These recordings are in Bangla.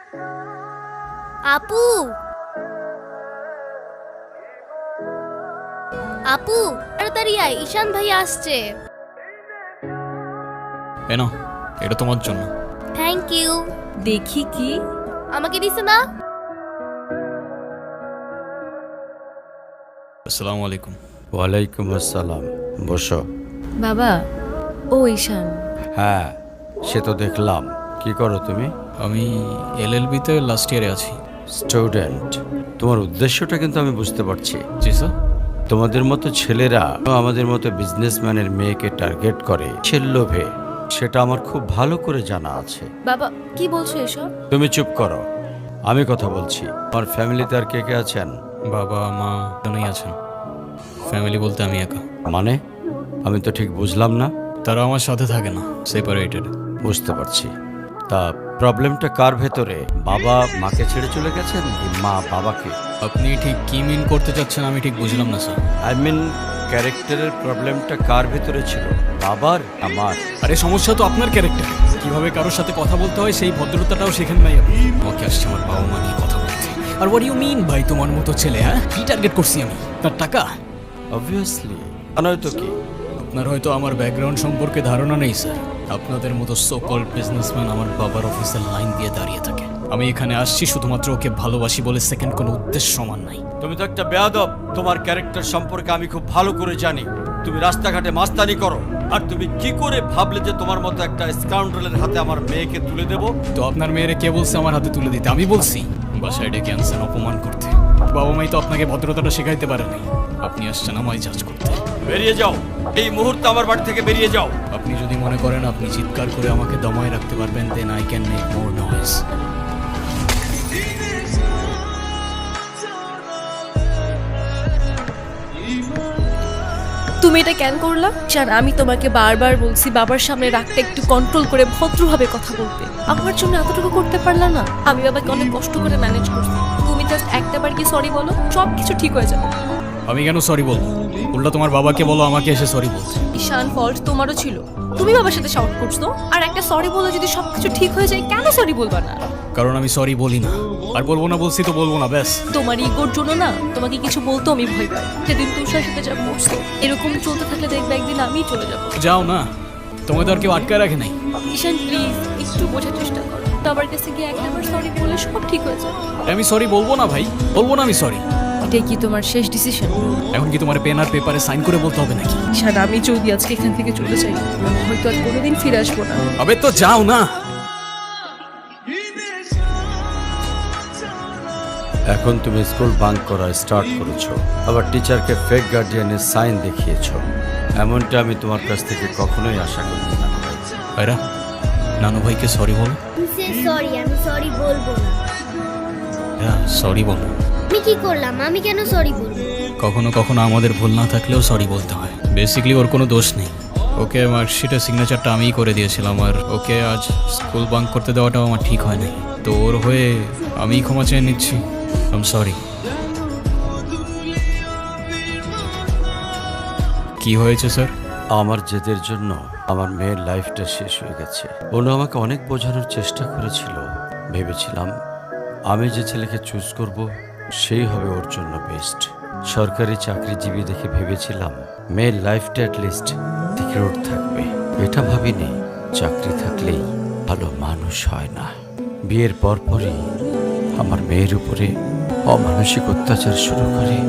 আপু, আপু তাড়াতাড়ি আয়, ঈশান ভাই আসছে। এনো, এটা তোমার জন্য। Thank you. দেখি কি আমাকে দিছে না? আসসালামু আলাইকুম। ওয়ালাইকুম আসসালাম। বসো। বাবা, ও ঈশান। হ্যাঁ, সে তো দেখলাম। কি করো তুমি? আমি এলএলবিতে লাস্ট ইয়ারে আছি। স্টুডেন্ট। তোমার উদ্দেশ্যটা কিন্তু আমি বুঝতে পারছি। জি স্যার। তোমাদের মতো ছেলেরা আমাদের মতো বিজনেসম্যানের মেয়েকে টার্গেট করে সে লোভে, সেটা আমার খুব ভালো করে জানা আছে। বাবা কি বলছো এসব? তুমি চুপ করো, আমি কথা বলছি। আমার ফ্যামিলিতে আর কে কে আছেন? বাবা মা দুজনেই আছেন। ফ্যামিলি বলতে আমি একা। মানে আমি তো ঠিক বুঝলাম না। তারা আমার সাথে থাকে না, সেপারেটেড। বুঝতে পারছি। তা প্রবলেমটা কার ভেতরে? বাবা মাকে ছেড়ে চলে গেছেন কি মা বাবাকে? আপনি ঠিক কি মিন করতে চাচ্ছেন আমি ঠিক বুঝলাম না স্যার। আই মিন ক্যারেক্টারের প্রবলেমটা কার ভেতরে ছিল, বাবার আমার? আরে সমস্যা তো আপনার ক্যারেক্টার। কিভাবে কারোর সাথে কথা বলতে হয় সেই ভদ্রতাটাও শেখেন নাই আপনি। আমাকে আসছে আমার বাবা মা নিয়ে কথা বলতে। আর হোয়াট ইউ মিন ভাই, তোমার মতো ছেলে? হ্যাঁ, কি টার্গেট করছি আমি? তার টাকা? অবভিয়াসলি। নয়তো কি? আপনার হয়তো আমার ব্যাকগ্রাউন্ড সম্পর্কে ধারণা নেই স্যার। আপনাদের মতো সো কল্ড বিজনেসম্যান আমার বাবার অফিসের লাইন দিয়ে দাঁড়িয়ে থাকে। আমি এখানে আসছি শুধুমাত্র ওকে ভালোবাসি বলে, সেকেন্ড কোনো উদ্দেশ্য সমান নাই। তুমি তো একটা বেয়াদব। তোমার ক্যারেক্টার সম্পর্কে আমি খুব ভালো করে জানি। তুমি রাস্তাঘাটে মাস্তানি করো, আর তুমি কি করে ভাবলে যে তোমার মতো একটা স্কাউন্ডারের হাতে আমার মেয়েকে তুলে দেব? তো আপনার মেয়েরে কে বলছে আমার হাতে তুলে দিতে? আমি বলছি? বাসায় ডেকে আনছেন অপমান করতে। বাবা মাই তো আপনাকে ভদ্রতাটা শেখাইতে পারেনি। আপনি আসছেন আমায় জাজ করতে। বেরিয়ে যাও, এই মুহূর্তে আমার বাড়ি থেকে বেরিয়ে যাও। আপনি যদি মনে করেন আপনি চিৎকার করে আমাকে দমায় রাখতে পারবেন, then I can make more noise. তুমি এটা কেন করলা? ঈশান, আমি তোমাকে বারবার বলছি বাবার সামনে রাগটা একটু কন্ট্রোল করে ভদ্রভাবে কথা বলতে। আমার জন্য এতটুকু করতে পারলা না? আমি বাবাকে অনেক কষ্ট করে ম্যানেজ করছি। তুমি জাস্ট একটাবার কি সরি বলো, সব কিছু ঠিক হয়ে যাবে। আমি কেন সরি বলবো? উল্টা তোমার বাবাকে বলো আমাকে এসে সরি বলতে। ঈশান, ফল্ট তোমারও ছিল। তুমি বাবার সাথে শাউট করছো, আর একটা সরি বলে যদি সবকিছু ঠিক হয়ে যায়, কেন সরি বলবা না? কারণ আমি সরি বলি না, আর বলবো না। বলছি তো বলবো না, ব্যাস। তোমার ইগোর জন্য না তোমাকে কিছু বলতো আমি ভয় পাই। সেদিন তুষার সাথে যা করছো, এরকম চলতে থাকলে দেখবে একদিন আমি চলে যাবো। যাও না, তোমায় তো আর কেউ আটকায় রাখে নাই। ঈশান প্লিজ একটু বোঝার চেষ্টা করো। বাবার কাছে গিয়ে একটাবার সরি বলে সব ঠিক হয়ে যাবে। আমি সরি বলবো না ভাই, বলবো না আমি সরি। এটাই কি তোমার শেষ ডিসিশন? এখন কি তোমার পেন আর পেপারে সাইন করে বলতে হবে নাকি? ঈশান, আমি যদি আজকে এখান থেকে চলে যাই, হয়তো আর কোনোদিন ফিরে আসবো না। আবে তো যাও না। এখন তুমি স্কুল বাঙ্ক করা স্টার্ট করেছো, আবার টিচারকে ফেক গার্ডিয়ানের সাইন দেখিয়েছো। এমনটা আমি তোমার কাছ থেকে কখনোই আশা করি না। ভাইরা, নানু ভাইকে সরি বলো। সরি, আমি সরি বলবো না। হ্যাঁ, সরি বলো। আমি কি করলাম? আমি কেন সরি বলবো? কখনো কখনো আমাদের ভুল না থাকলেও সরি বলতে হয়। বেসিক্যালি ওর কোনো দোষ নেই। ওকে মার্কশিটের সিগনেচারটা আমিই করে দিয়েছিলাম, আর ওকে আজ স্কুল বাঙ্ক করতে দেওয়াটাও আমার ঠিক হয় নাই। তো ওর হয়ে আমিই ক্ষমা চেয়ে নিচ্ছি। I am sorry. কি হয়েছে স্যার? আমার জেদের জন্য আমার মেয়ের লাইফটা শেষ হয়ে গেছে। ওনো আমাকে অনেক বোঝানোর চেষ্টা করেছিল। ভেবেছিলাম আমি যে ছেলেকে চুজ করব সেই হবে ওর জন্য বেস্ট। সরকারি চাকরিজীবী দেখে ভেবেছিলাম মেয়ের লাইফটা অ্যাটলিস্ট সিকিউর থাকবে। এটা ভাবিনি চাকরি থাকলেই ভালো মানুষ হয় না। বিয়ের পরপরই আমার মেয়ের উপরে অমানসিক অত্যাচার শুরু করে।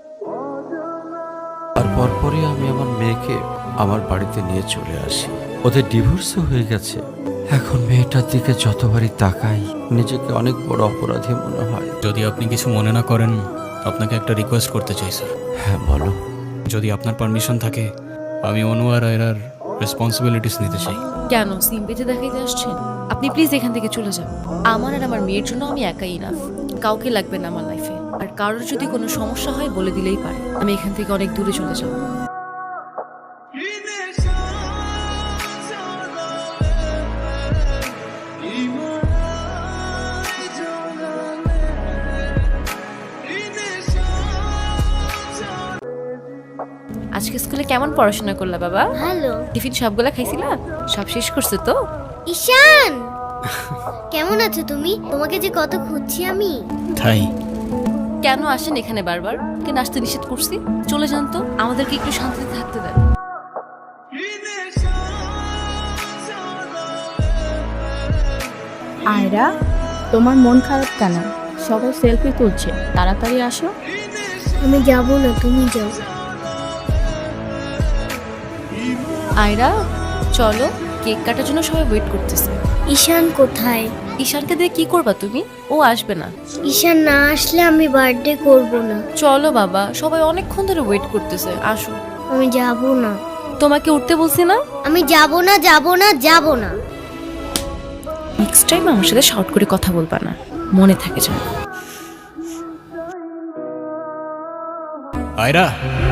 আর পরপরই আমি আমার মেয়েকে আমার বাড়িতে নিয়ে চলে আসি। ওদের ডিভোর্সও হয়ে গেছে। এখন মেয়েটার দিকে যতবারই তাকাই নিজেকে অনেক বড় অপরাধী মনে হয়। যদি আপনি কিছু মনে না করেন, আপনাকে একটা রিকোয়েস্ট করতে চাই স্যার। হ্যাঁ বলো। যদি আপনার পারমিশন থাকে, আমি অনু আর এরার রেসপন্সিবিলিটিস নিতে চাই। কেন সিম্পেথি দেখাইতে আসছেন? আপনি প্লিজ এখান থেকে চলে যান। আমার আর আমার মেয়ের জন্য আমি একাই ইনাফ। কাউকে লাগবে না আমার লাইফে। আর কারোর যদি কোনো সমস্যা হয় বলে দিলেই পারে। আমি এখান থেকে অনেক দূরে চলে যাব। আজকে স্কুলে কেমন পড়াশোনা করলা বাবা? ভালো। টিফিন সবগুলা খাইছিলা? সব শেষ করছো তো? ঈশান, কেমন আছো তুমি? তোমাকে যে কত খুঁজছি আমি। তাই কেন আসেন এখানে বারবার? কে নাচতে নিষেধ করছি? চলে যান তো, আমাদেরকে একটু শান্তিতে থাকতে দেন। আয়রা, তোমার মন খারাপ কেন? সবাই সেলফি তুলছে, তাড়াতাড়ি আসো। আমি যাব না, তুমি যাও। আয়রা চলো, কেক কাটার জন্য সবাই ওয়েট করতেছে। ঈশান কোথায়? ঈশানকে দিয়ে কি করবা তুমি? ও আসবে না। ঈশান না আসলে আমি বার্থডে করব না। চলো বাবা, সবাই অনেকক্ষণ ধরে ওয়েট করতেছে, আসো। আমি যাব না। তোমাকে উঠতে বলছি না? আমি যাব না, যাব না, যাব না। নেক্সট টাইম আমার সাথে শর্ট করে কথা বলবা না, মনে থাকে যেন। আয়রা,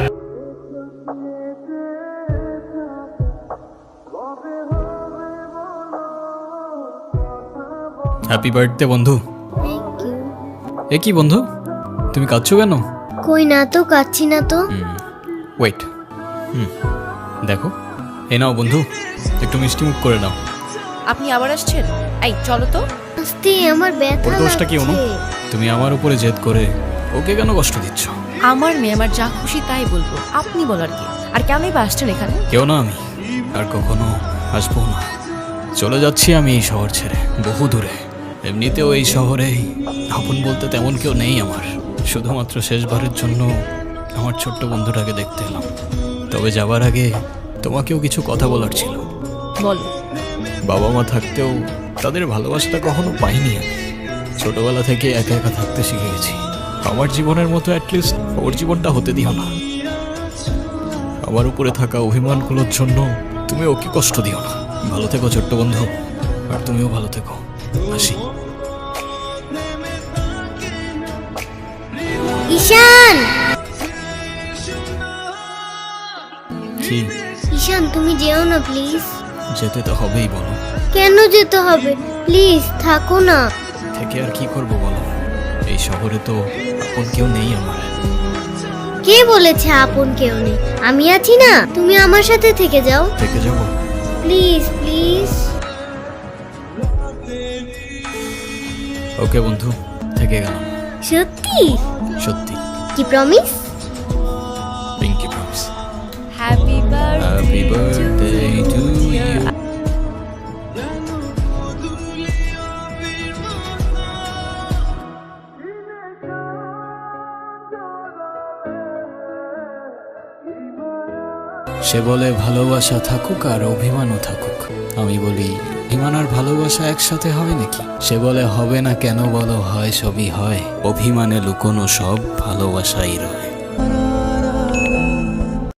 হ্যাপি বার্থডে বন্ধু। Thank you. এ কি বন্ধু, তুমি কাঁদছো কেন? কই না তো, কাচ্ছি না তো। ওয়েট, দেখো, এ নাও বন্ধু, একটু মিষ্টি মুখ করে নাও। আপনি আবার আসছেন? এই চলো তো। আস্তে, আমার ব্যথা ওর দোষটা কি অনু? লাগছে। তুমি আমার উপরে জেদ করে ওকে কেন কষ্ট দিচ্ছ? আমার মেয়ে, আমার যা খুশি তাই বলবো, আপনি বলার কি? আর কেনই বা আসছেন এখানে? কেউ না, আমি আর কখনো আসবো না। চলে যাচ্ছি আমি এই শহর ছেড়ে, বহু দূরে। এমনিতেও এই শহরে আপন বলতে তেমন কেউ নেই আমার। শুধুমাত্র শেষবারের জন্য আমার ছোট্ট বন্ধুটাকে দেখতে এলাম। তবে যাবার আগে তোমাকেও কিছু কথা বলার ছিল। বলো। বাবা মা থাকতেও তাদের ভালোবাসাটা কখনো পাইনি আমি। ছোটবেলা থেকে একা একা থাকতে শিখে গেছি। আমার জীবনের মতো অ্যাটলিস্ট ওর জীবনটা হতে দিও না। আমার উপরে থাকা অভিমানগুলোর জন্য তুমি ওকে কষ্ট দিও না। ভালো থেকো ছোট্ট বন্ধু, আর তুমিও ভালো থেকো। আসি। ঈশান, কি? ঈশান তুমি যেও না প্লিজ। যেতে তো হবেই, বলো। কেন যেতে হবে? প্লিজ থাকো না। থেকে আর কি করব বলো? এই শহরে তো আপন কেউ নেই আমার। কে বলেছে আপন কেউ নেই? আমি আছি না, তুমি আমার সাথে থেকে যাও। থেকে যাবো? Please please. ওকে বন্ধু, থেকে গেলাম। সত্যি? সত্যি। কি promise? Pinky promise. Happy happy birthday to you. সে বলে ভালোবাসা থাকুক আর অভিমানও থাকুক। আমি বলি অভিমান আর ভালোবাসা একসাথে হয় নাকি? সে বলে হবে না, কেন বলো? হয়, সবই হয়। অভিমানে লুকোনো সব ভালোবাসাই রয়।